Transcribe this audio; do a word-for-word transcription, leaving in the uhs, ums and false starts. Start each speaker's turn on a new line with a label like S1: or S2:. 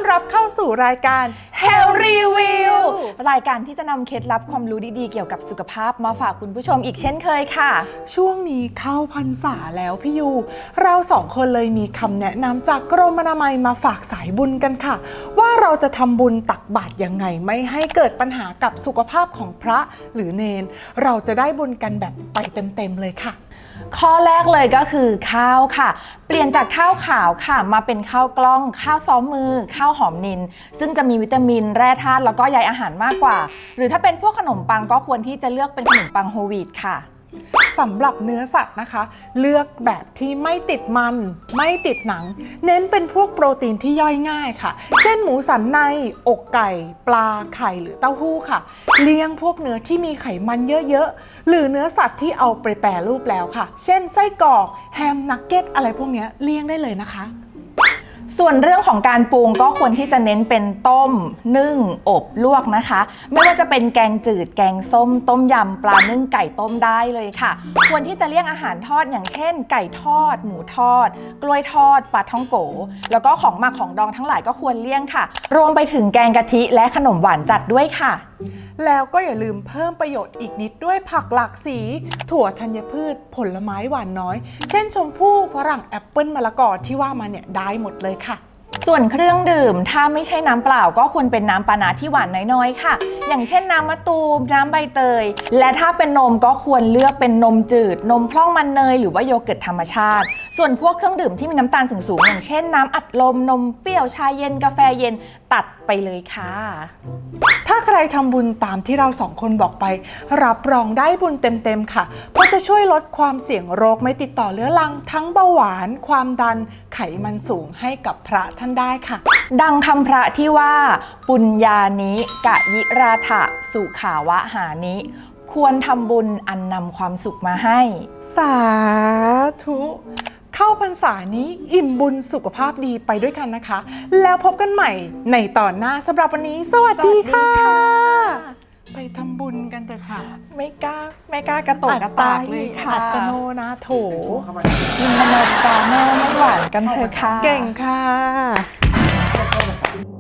S1: รับเข้าสู่รายการ Health Review
S2: รายการที่จะนำเคล็ดลับความรู้ดีๆเกี่ยวกับสุขภาพมาฝากคุณผู้ชมอีกเช่นเคยค่ะ
S1: ช่วงนี้เข้าพรรษาแล้วพี่ยูเราสองคนเลยมีคำแนะนำจากกรมอนามัยมาฝากสายบุญกันค่ะว่าเราจะทำบุญตักบาตรยังไงไม่ให้เกิดปัญหากับสุขภาพของพระหรือเนนเราจะได้บุญกันแบบไปเต็มๆเลยค่ะ
S2: ข้อแรกเลยก็คือข้าวค่ะเปลี่ยนจากข้าวขาวค่ะมาเป็นข้าวกล้องข้าวซ้อมมือข้าวหอมนิลซึ่งจะมีวิตามินแร่ธาตุแล้วก็ใยอาหารมากกว่าหรือถ้าเป็นพวกขนมปังก็ควรที่จะเลือกเป็นขนมปังโฮลวีตค่ะ
S1: สำหรับเนื้อสัตว์นะคะเลือกแบบที่ไม่ติดมันไม่ติดหนังเน้นเป็นพวกโปรตีนที่ย่อยง่ายค่ะเช่นหมูสันในอกไก่ปลาไข่หรือเต้าหู้ค่ะเลี่ยงพวกเนื้อที่มีไขมันเยอะๆหรือเนื้อสัตว์ที่เอาไปแปรรูปแล้วค่ะเช่นไส้กรอกแฮมนักเก็ตอะไรพวกนี้เลี่ยงได้เลยนะคะ
S2: ส่วนเรื่องของการปรุงก็ควรที่จะเน้นเป็นต้มนึ่งอบลวกนะคะไม่ว่าจะเป็นแกงจืดแกงส้มต้มยำปลานึ่งไก่ต้มได้เลยค่ะควรที่จะเลี่ยงอาหารทอดอย่างเช่นไก่ทอดหมูทอดกล้วยทอดปลาท่องโกแล้วก็ของหมักของดองทั้งหลายก็ควรเลี่ยงค่ะรวมไปถึงแกงกะทิและขนมหวานจัดด้วยค่ะ
S1: แล้วก็อย่าลืมเพิ่มประโยชน์อีกนิดด้วยผักหลากสีถั่วธัญพืชผลไม้หวานน้อยเช่นชมพู่ฝรั่งแอปเปิ้ลมะละกอที่ว่ามาเนี่ยได้หมดเลยค่ะ
S2: ส่วนเครื่องดื่มถ้าไม่ใช่น้ำเปล่าก็ควรเป็นน้ำปานะที่หวานน้อยๆค่ะอย่างเช่นน้ำมะตูมน้ำใบเตยและถ้าเป็นนมก็ควรเลือกเป็นนมจืดนมพร่องมันเนยหรือว่าโยเกิร์ตธรรมชาติส่วนพวกเครื่องดื่มที่มีน้ำตาลสูงๆอย่างเช่นน้ำอัดลมนมเปรี้ยวชาเย็นกาแฟเย็นตัดไปเลยค่ะ
S1: ถ้าใครทำบุญตามที่เราสองคนบอกไปรับรองได้บุญเต็มๆค่ะเพราะจะช่วยลดความเสี่ยงโรคไม่ติดต่อเรื้อรังทั้งเบาหวานความดันไขมันสูงให้กับพระท่านได้ค่ะ
S2: ดังคำพระที่ว่าปุญญานิกะยิราถะสุขาวะหานิควรทำบุญอันนำความสุขมาให้
S1: สาธุเข้าพรรษานี้อิ่มบุญสุขภาพดีไปด้วยกันนะคะแล้วพบกันใหม่ในตอนหน้าสำหรับวันนี้สวัสดีค่ะไปทำบุญกันเถอะค่ะ
S2: ไม่กล้าไม่กล้ากระตกกระตากเลยค่ะ
S1: อัตโนนาโถ
S2: กินอเมริกาโน่ไม่หวานกันเถอะค่ะ
S1: เก่งค่ะ